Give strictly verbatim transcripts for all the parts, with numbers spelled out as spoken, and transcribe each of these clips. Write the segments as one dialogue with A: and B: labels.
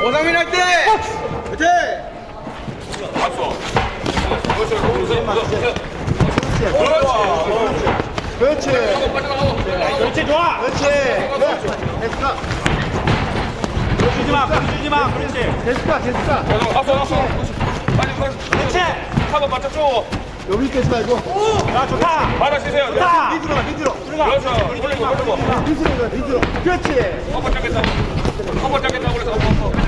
A: 오상민 할 때! 그렇지!
B: 그렇지.
C: 그렇지 좋아.
B: 그렇지. 됐어.
C: 주지 마. 주지 마. 그렇지.
B: 됐어. 됐어.
A: 앞서, 앞서. 빨리, 빨리.
C: 그렇지.
A: 한번 맞춰줘.
B: 여기 깨지 말고.
C: 야 좋다.
A: 받아주세요.
C: 좋다.
B: 밑으로 가, 밑으로.
C: 들어가.
A: 그렇죠. 올리고, 올리고.
B: 밑으로 가, 밑으로. 그렇지.
A: 한번 잡겠다고. 한번 잡겠다고 그래서 한번.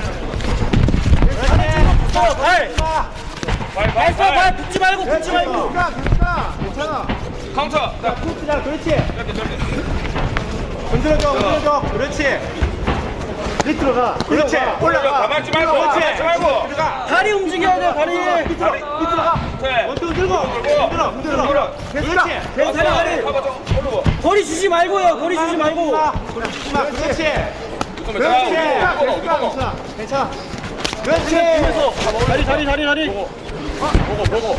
C: 그렇지. 발.
A: 발, 발,
C: 발서 발
A: 발.
C: 붙지 말고 붙지 말고.
B: 됐어. 됐어. 괜찮아.
A: 카운터. 자,
C: 붙지자. 그렇지.
A: 이렇게, 이렇게.
C: 흔들어줘. 흔들어줘. 그렇지.
B: 밑으로 가.
C: 그렇지. 올라가.
A: 가만히 있지 말고.
C: 그렇지.
A: 가만히 있지 말고.
C: 들어가. 다리 움직여야 돼. 다리. 밑으로. 밑으로 가.
A: 네.
C: 원투 들고. 흔들어. 흔들어.
B: 됐어.
C: 그렇지. 괜찮아. 다리.
A: 한번 더 올리고.
D: 거리 주지 말고요. 거리 주지 말고.
C: 그렇지. 그렇지.
A: 그러면
B: 그렇지.
A: 자,
B: 됐어.
A: 누구 먹어, 누구 먹어.
B: 괜찮아. 괜찮아.
C: 그렇지. 다리 다리 다리 다리.
A: 보고, 보고.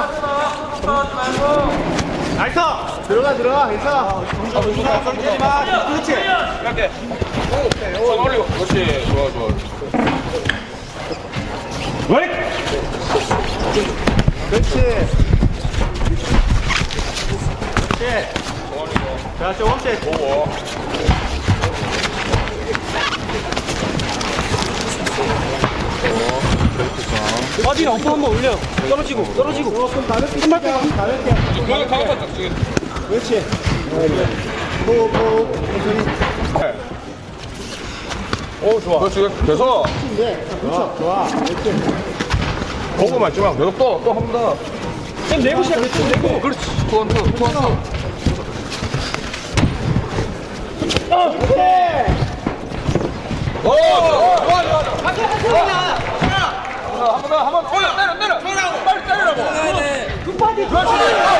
C: 나이스.
B: 들어가, 들어가. 괜찮아.
C: 손대지 마. 그렇지.
A: 이렇게. 손 올리고. 그렇지. 좋아, 좋아.
C: 왜?
B: 그렇지.
C: 그렇지. 자, 저 원셋.
A: 보고.
D: 바디 엎어 한번 올려. 떨어지고 떨어지고.
B: 조금 가볍게. 한 발짝 가볍게.
A: 그거 카운터 지금.
B: 그렇지. 호흡, 호흡. 천천히.
A: 오, 좋아. 그렇지. 계속.
B: 네. 그렇죠. 좋아. 그렇지.
A: 보고만 있지 마. 계속 또, 또 한 번 더.
D: 좀 내고 시작해. 좀 내고.
A: 그렇지. 투원, 투, 투원, 투. 오, 좋아, 좋아, 좋아. 한 번 더, 한 번 더. 내려, 내려, 내려. 빨리 때리라고.
D: 급하게.
A: 그렇지.